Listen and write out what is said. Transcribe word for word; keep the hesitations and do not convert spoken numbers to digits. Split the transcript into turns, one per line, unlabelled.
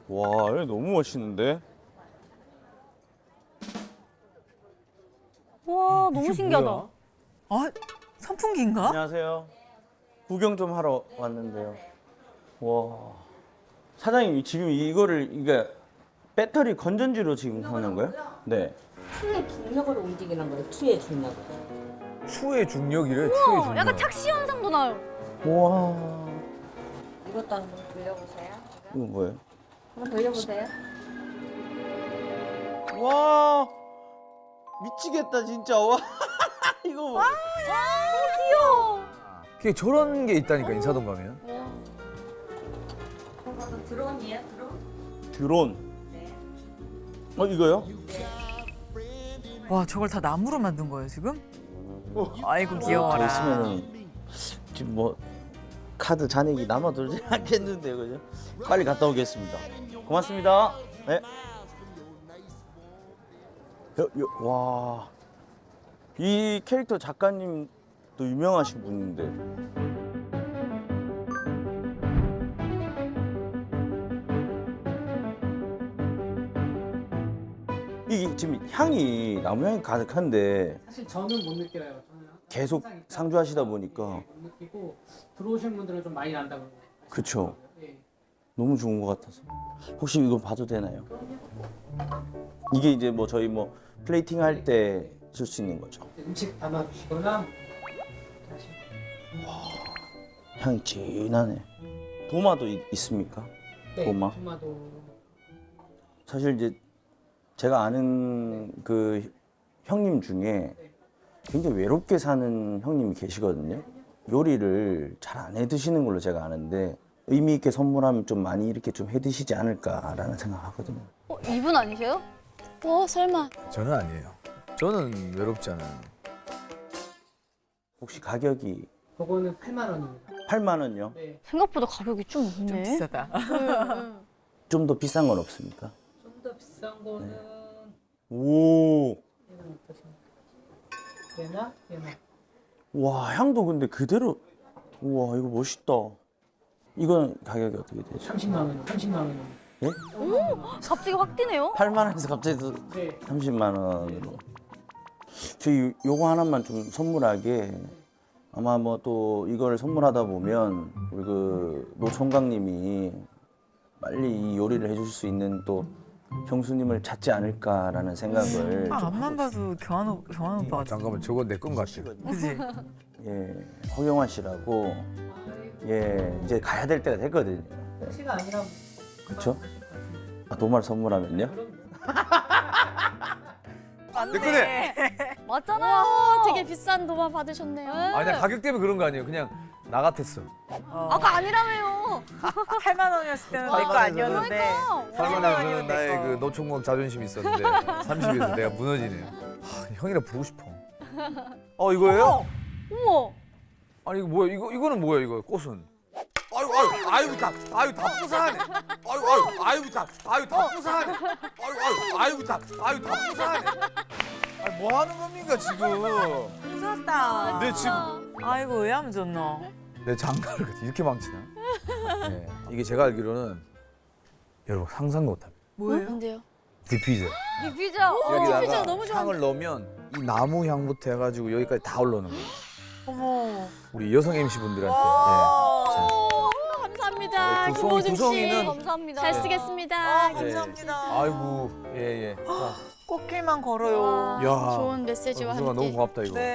와, 여기 너무 멋있는데?
와 너무 신기하다.
아, 선풍기인가?
안녕하세요. 구경 좀 하러 왔는데요. 와. 사장님, 지금 이거를, 이게 배터리 건전지로 지금 하는 거예요? 네.
추의 중력으로 움직이는 거예요. 추의 중력.
추의 중력이래. 추의
우와,
중력.
약간 착시 현상도 나요.
와.
이것도 한번 돌려보세요.
이거 뭐예요?
한번 돌려보세요.
와. 미치겠다, 진짜. 와. 이거 뭐.
귀여워.
그게 저런 게 있다니까 인사동 가면.
이것도 드론이에요, 드론?
드론.
네.
어, 이거요?
와, 저걸 다 나무로 만든 거예요, 지금? 아이고, 귀여워라.
있으면은 지금 뭐 카드 잔액이 남아돌지 않겠는데요, 그죠? 빨리 갔다 오겠습니다. 고맙습니다. 네. 여, 여, 와, 이 캐릭터 작가님도 유명하신 분인데. 이게 지금 향이 나무 향이 가득한데
사실 저는 못 느껴요. 저는
계속
항상 있다가
상주하시다 보니까.
못 느끼고 들어오신 분들은 좀 많이 난다고.
그쵸.
네.
너무 좋은 것 같아서. 혹시 이거 봐도 되나요? 이게 이제 뭐 저희 뭐 플레이팅 할 때 쓸 수 있는 거죠.
음식 담아주시거나 다시.
향이 진하네. 도마도 있, 있습니까?
네,
도마?
토마토.
사실 이제 제가 아는 그 형님 중에 굉장히 외롭게 사는 형님이 계시거든요. 요리를 잘 안 해 드시는 걸로 제가 아는데 의미 있게 선물하면 좀 많이 이렇게 좀 해 드시지 않을까라는 생각하거든요.
어, 이분 아니세요? 어 설마.
저는 아니에요. 저는 외롭지 않아요.
혹시 가격이
그거는 팔만 원입니다.
팔만 원요?
네.
생각보다 가격이 좀
좀
있네.
비싸다.
좀 더 비싼 건 없습니까?
좀 더 비싼 거는
오.
얘는 어떠십니까? 얘나 얘나.
와, 향도 근데 그대로. 우와, 이거 멋있다. 이건 가격이 어떻게 되죠?
삼십만 원, 삼십만 원.
예?
갑자기 확 뛰네요.
팔만 원에서 갑자기 또
네.
삼십만 원으로. 저희 요거 하나만 좀 선물하게 아마 뭐 또 이걸 선물하다 보면 우리 그 노총각님이 빨리 이 요리를 해줄 수 있는 또 형수님을 찾지 않을까라는 생각을
아,
좀
앞만
하고
봐도 경환, 오- 경환 오빠 같아.
잠깐만 저건 내 건 같아.
있거든요.
그지?
예, 허경환 씨라고 예 이제 가야 될 때가 됐거든요. 예,
택시가 아니라
그렇죠? 아, 도마를 선물하면요?
내 거네.
맞잖아요.
되게 비싼 도마 받으셨네요.
아니 나 가격 때문에 그런 거 아니에요. 그냥 나 같았어.
어.
아까 아니라며요.
팔만 원이었을 때는 내 거 아니었는데.
팔만 원에서는 나의
내 거.
그 노총각 자존심이 있었는데 삼십에서 내가 무너지네요. 하, 형이라 부르고 싶어. 어 이거예요?
어머.
아니 이거 뭐야? 이거 이거는 뭐야? 이거 꽃은? 아유 아유 아유 다 아유 다 부사하네. 아유 아유 아유 다 아유 다 부사하네. 아유 아유 아유 다 아유 다 부사하네. 아니 뭐 하는 겁니까 지금?
무섭다.
내 지금
아이고, 왜 하면 좋노?
내 장가를 이렇게 망치나? 네, 이게 제가 알기로는 여러분 상상도 못합니다.
뭐예요?
뭔데요?
디퓨저.
디퓨저. 어,
여기다가
디퓨저 너무 좋아.
향을 넣으면 이 나무 향부터 해가지고 여기까지 다 올라오는 거예요.
어머.
우리 여성 엠씨 분들한테.
와.
예.
오, 감사합니다.
네, 구성-
김호중 씨.
구성이는-
감사합니다.
잘 쓰겠습니다.
아,
네.
감사합니다.
아이고 예예.
꽃길만 걸어요.
와,
야.
좋은 메시지와
구성아
함께.
너무 고맙다 이거.
네.